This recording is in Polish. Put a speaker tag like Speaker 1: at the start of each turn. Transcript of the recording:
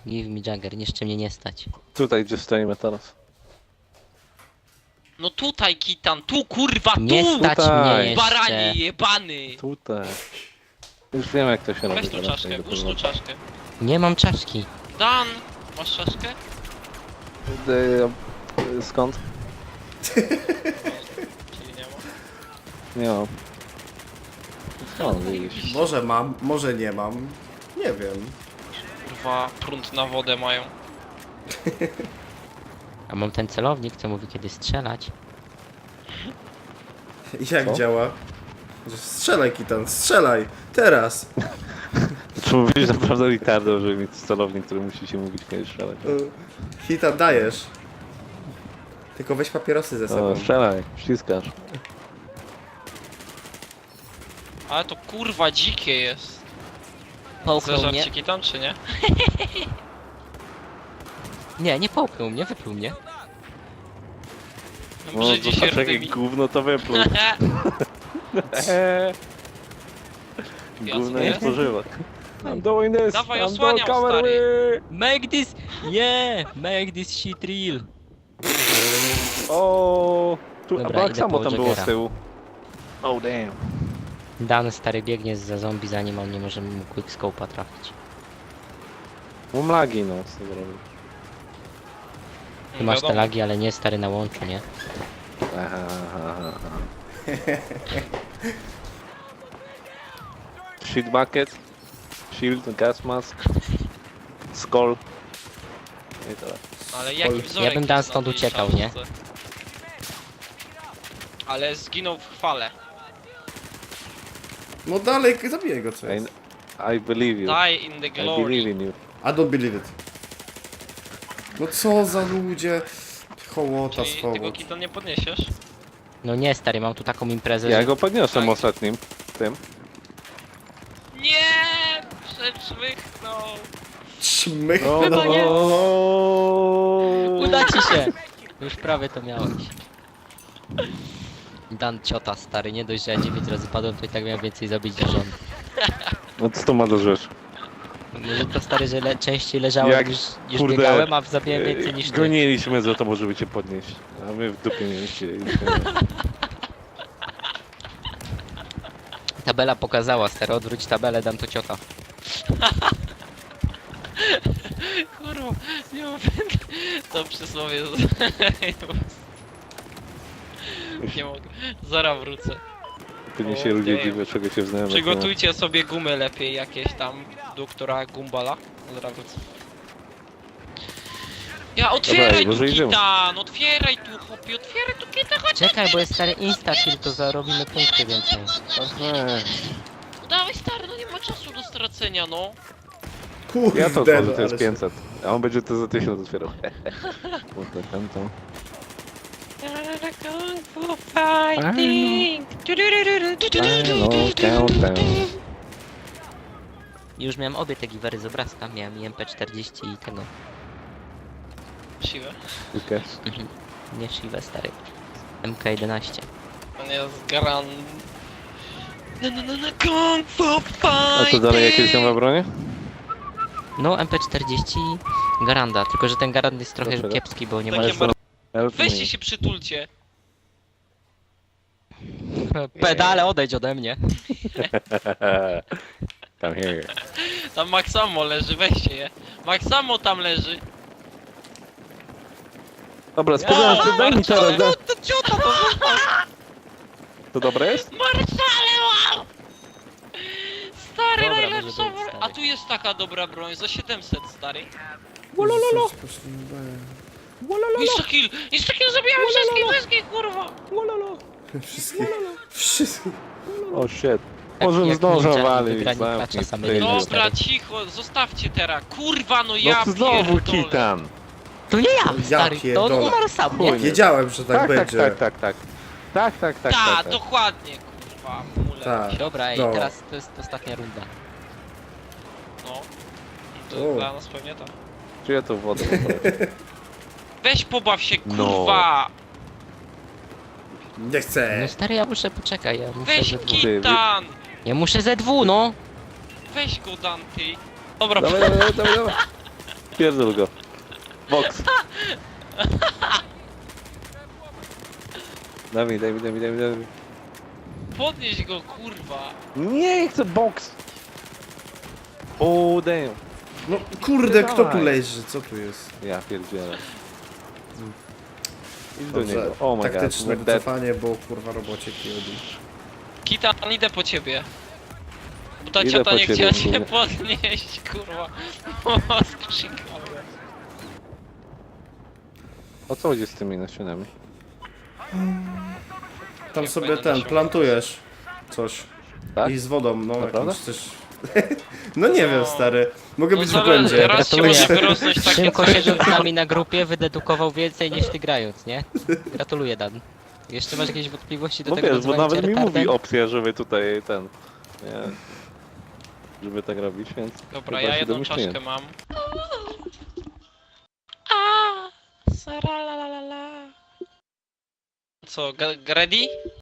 Speaker 1: Give me Jagger, jeszcze mnie nie stać.
Speaker 2: Tutaj gdzie stoimy teraz.
Speaker 3: No tutaj, Kitan, tu kurwa,
Speaker 1: Nie
Speaker 3: tu!
Speaker 1: stać
Speaker 2: Tutaj.
Speaker 1: mnie
Speaker 3: Baranie
Speaker 1: jeszcze.
Speaker 3: jebany!
Speaker 2: Tutaj. Już wiem jak to się robi.
Speaker 3: Weź tu
Speaker 2: teraz,
Speaker 3: czaszkę,
Speaker 2: tego
Speaker 3: włóż tu
Speaker 2: powrotu.
Speaker 3: czaszkę.
Speaker 1: Nie mam czaszki.
Speaker 3: Dan, masz czaszkę?
Speaker 2: Skąd?
Speaker 3: Czyli nie ma.
Speaker 2: Nie mam. Skąd widzisz?
Speaker 4: Może mam, może nie mam. Nie wiem.
Speaker 3: Kurwa, prąd na wodę mają.
Speaker 1: A mam ten celownik, co mówi kiedy strzelać.
Speaker 4: Jak
Speaker 2: Co?
Speaker 4: działa? Że strzelaj, Kitan, strzelaj! Teraz!
Speaker 2: Czy mówisz naprawdę Ricardo, żeby mieć celownik, który musi się mówić kiedy strzelać?
Speaker 4: Kitan, dajesz. Tylko weź papierosy ze sobą.
Speaker 2: O, strzelaj, ściskasz.
Speaker 3: Ale to kurwa dzikie jest.
Speaker 1: Połknął mnie.
Speaker 3: Zażarciki tam czy nie?
Speaker 1: Nie, nie połknął mnie, wypluł mnie.
Speaker 2: No,
Speaker 3: Brzydzi się
Speaker 2: zobacz jakie
Speaker 3: rdymi.
Speaker 2: gówno to wypluł. Gówno nie
Speaker 3: Jasne.
Speaker 2: spożywa. I'm doing this,
Speaker 3: Dawaj,
Speaker 2: I'm
Speaker 3: osłaniam,
Speaker 2: doing cover
Speaker 3: stary.
Speaker 2: me.
Speaker 1: Make this, yeah, make this shit real.
Speaker 2: O, tu,
Speaker 1: Dobra,
Speaker 2: a tak
Speaker 1: idę
Speaker 2: samo
Speaker 1: po
Speaker 2: tam było z
Speaker 1: Jaggera.
Speaker 2: tyłu. Oh damn.
Speaker 1: Dan stary biegnie za zombie, zanim on nie może mu quickscope'a trafić.
Speaker 2: Mam lagi, no, co zrobić.
Speaker 1: Ty masz te
Speaker 3: Wiadomo.
Speaker 1: lagi, ale nie stary na łączu, nie?
Speaker 2: Aha, aha, aha. Shit bucket, shield, gas mask, skull. I tyle.
Speaker 3: Ale jaki wzorek
Speaker 1: Ja bym Dan
Speaker 3: jest na
Speaker 1: stąd
Speaker 3: tej
Speaker 1: uciekał, nie?
Speaker 3: czaszce? Ale zginął w chwale.
Speaker 4: No dalej, zabiję go, co jest.
Speaker 2: I believe you.
Speaker 3: Die in the
Speaker 2: I
Speaker 3: glory.
Speaker 2: believe in you.
Speaker 4: I don't believe it. No co za ludzie. Hołota
Speaker 3: Czyli tego
Speaker 4: swoboda.
Speaker 3: kita nie podniesiesz?
Speaker 1: No nie stary, mam tu taką imprezę,
Speaker 2: Ja
Speaker 1: że...
Speaker 2: go podniosłem
Speaker 3: Tak.
Speaker 2: ostatnim. Tym.
Speaker 3: Nie! Przeczmychnął!
Speaker 4: Czmych.
Speaker 2: No,
Speaker 3: Chyba nie.
Speaker 1: Uda ci się! Już prawie to miałeś. Dan ciota stary, nie dość, że ja 9 razy padłem, to i tak miałem więcej zabić niż on.
Speaker 2: No co to ma do rzeczy?
Speaker 1: Może to stary, że częściej leżałem
Speaker 2: Jak,
Speaker 1: niż
Speaker 2: kurde,
Speaker 1: biegałem, a zabiłem więcej niż ty.
Speaker 2: Goniliśmy za to, żeby cię podnieść. A my w dupie nie chcieliśmy.
Speaker 1: Tabela pokazała, stary, odwróć tabelę, dam to ciota.
Speaker 3: Kurwa, nie mam... To przysłowie... Nie mogę. Zaraz wrócę.
Speaker 2: Pewnie
Speaker 3: O,
Speaker 2: się ludzie
Speaker 3: damn.
Speaker 2: dziwią, czego się wznają.
Speaker 3: Przygotujcie sobie gumy lepiej jakieś tam, doktora Gumbala. Zaraz wrócę. Ja otwieraj
Speaker 2: może
Speaker 3: tu
Speaker 2: idziemy.
Speaker 3: Kitan! Otwieraj tu chłopie, otwieraj tu Kitan, chodź!
Speaker 1: Czekaj, bo jest stary insta kill, to zarobimy punkty więcej.
Speaker 3: No dawaj stary, no nie ma czasu do stracenia, no.
Speaker 4: Kurde,
Speaker 2: Ja to otworzę,
Speaker 4: no,
Speaker 2: to jest
Speaker 4: ale
Speaker 2: 500. A on będzie to za 1000 otwierał. Kurde, tam to.
Speaker 3: Kung Fu Fighting!
Speaker 2: No, countdown.
Speaker 1: Już miałem obie te giwery z obrazka, miałem i MP40 i tego.
Speaker 3: Siłę.
Speaker 2: Okay.
Speaker 1: Nie Shiva stary. MK11.
Speaker 3: On jest gran... Kung Fu
Speaker 2: A to
Speaker 3: Fighting!
Speaker 2: dalej jakieś nowe bronie?
Speaker 1: No MP40 Garanda, tylko że ten Garand jest trochę
Speaker 2: Dlaczego?
Speaker 1: kiepski, bo nie ma...
Speaker 3: Takie
Speaker 2: Help me.
Speaker 3: Weźcie się przytulcie.
Speaker 1: Pedale, odejdź ode mnie.
Speaker 2: Come here.
Speaker 3: Tam Maxamo leży, weźcie je. Maxamo tam leży.
Speaker 2: Dobra, spokojnie, daj mi teraz. daj.
Speaker 3: To ciota to
Speaker 2: To dobre jest?
Speaker 3: Marszale, wow! Stary,
Speaker 1: Dobra,
Speaker 3: najlepsza
Speaker 1: może być,
Speaker 3: broń.
Speaker 1: stary.
Speaker 3: A tu jest taka dobra broń, za 700, stary. Insta-kill! Insta-kill, zabijamy wszystkich, kurwa!
Speaker 4: Wszystkich. Wszystkich.
Speaker 2: O shit. Może
Speaker 1: jak
Speaker 2: zdążę
Speaker 1: ninja i
Speaker 2: walić,
Speaker 1: wygrani
Speaker 2: zamknij
Speaker 1: klacza same
Speaker 2: ty.
Speaker 1: jedno.
Speaker 3: Dobra, cicho, zostawcie teraz. Kurwa, no ja
Speaker 2: No znowu
Speaker 3: pierdolę.
Speaker 2: Kitan.
Speaker 1: To nie ja,
Speaker 4: Ja
Speaker 1: stary, to on
Speaker 4: pierdolę.
Speaker 1: umarł sam, nie?
Speaker 2: Chuj.
Speaker 4: Wiedziałem, że tak będzie.
Speaker 2: Tak. Tak.
Speaker 3: Ta, dokładnie, kurwa, mule.
Speaker 4: Tak.
Speaker 1: Dobra, ej,
Speaker 4: No.
Speaker 1: teraz to jest ostatnia runda.
Speaker 3: No. To
Speaker 4: O.
Speaker 3: dla nas pewnie tak.
Speaker 2: Czy ja to wodę poproszę?
Speaker 3: Weź pobaw się,
Speaker 2: No.
Speaker 3: kurwa!
Speaker 4: Nie chcę.
Speaker 1: No stary, ja muszę, poczekaj, ja muszę
Speaker 3: Weź
Speaker 1: ze dwu.
Speaker 3: Kitan!
Speaker 1: Ja muszę ze dwu, no!
Speaker 3: Weź go, Dante. Dobra,
Speaker 2: Dawaj. Pierdol go. Box. Dawaj.
Speaker 3: Podnieś go, kurwa.
Speaker 2: Nie, chcę box. O, damn.
Speaker 4: No kurde, kto tu
Speaker 2: Dawaj.
Speaker 4: leży? Co tu jest?
Speaker 2: Ja pierdzielę. Idź do
Speaker 4: Dobrze,
Speaker 2: niego. Oh my god.
Speaker 4: taktyczne
Speaker 2: we're dead.
Speaker 4: wycofanie, bo kurwa robocie kiodi.
Speaker 3: Kitan, idę po ciebie. Bo ta
Speaker 2: Idę
Speaker 3: ciota
Speaker 2: po
Speaker 3: nie
Speaker 2: ciebie,
Speaker 3: chciała cię
Speaker 2: kurwa.
Speaker 3: podnieść, kurwa. O, skrzykałem.
Speaker 2: O co chodzi z tymi nasionami?
Speaker 4: Tam
Speaker 3: Nie
Speaker 4: sobie
Speaker 3: fajne
Speaker 4: ten,
Speaker 3: nasiona.
Speaker 4: plantujesz coś.
Speaker 2: Tak?
Speaker 4: I z wodą, no
Speaker 2: Naprawdę?
Speaker 4: jakimś też... No nie wiem, stary. Mogę być w
Speaker 3: zależy,
Speaker 4: błędzie.
Speaker 3: raz się
Speaker 1: Gratuluję.
Speaker 3: może wyrosnąć takie
Speaker 1: Szymko
Speaker 3: coś,
Speaker 1: siedząc z nami na grupie wydedukował więcej niż ty grając, nie? Gratuluję, Dan. Jeszcze masz jakieś wątpliwości do
Speaker 2: No
Speaker 1: tego
Speaker 2: wiesz, bo
Speaker 1: nazywania
Speaker 2: nawet
Speaker 1: cię
Speaker 2: mi
Speaker 1: retardem?
Speaker 2: mówi opcja, żeby tutaj ten... Nie, żeby tak robić, więc...
Speaker 3: Dobra,
Speaker 2: chyba
Speaker 3: ja
Speaker 2: się
Speaker 3: jedną
Speaker 2: domyśliłem.
Speaker 3: czaszkę mam. Sara la la la la. Co, ready?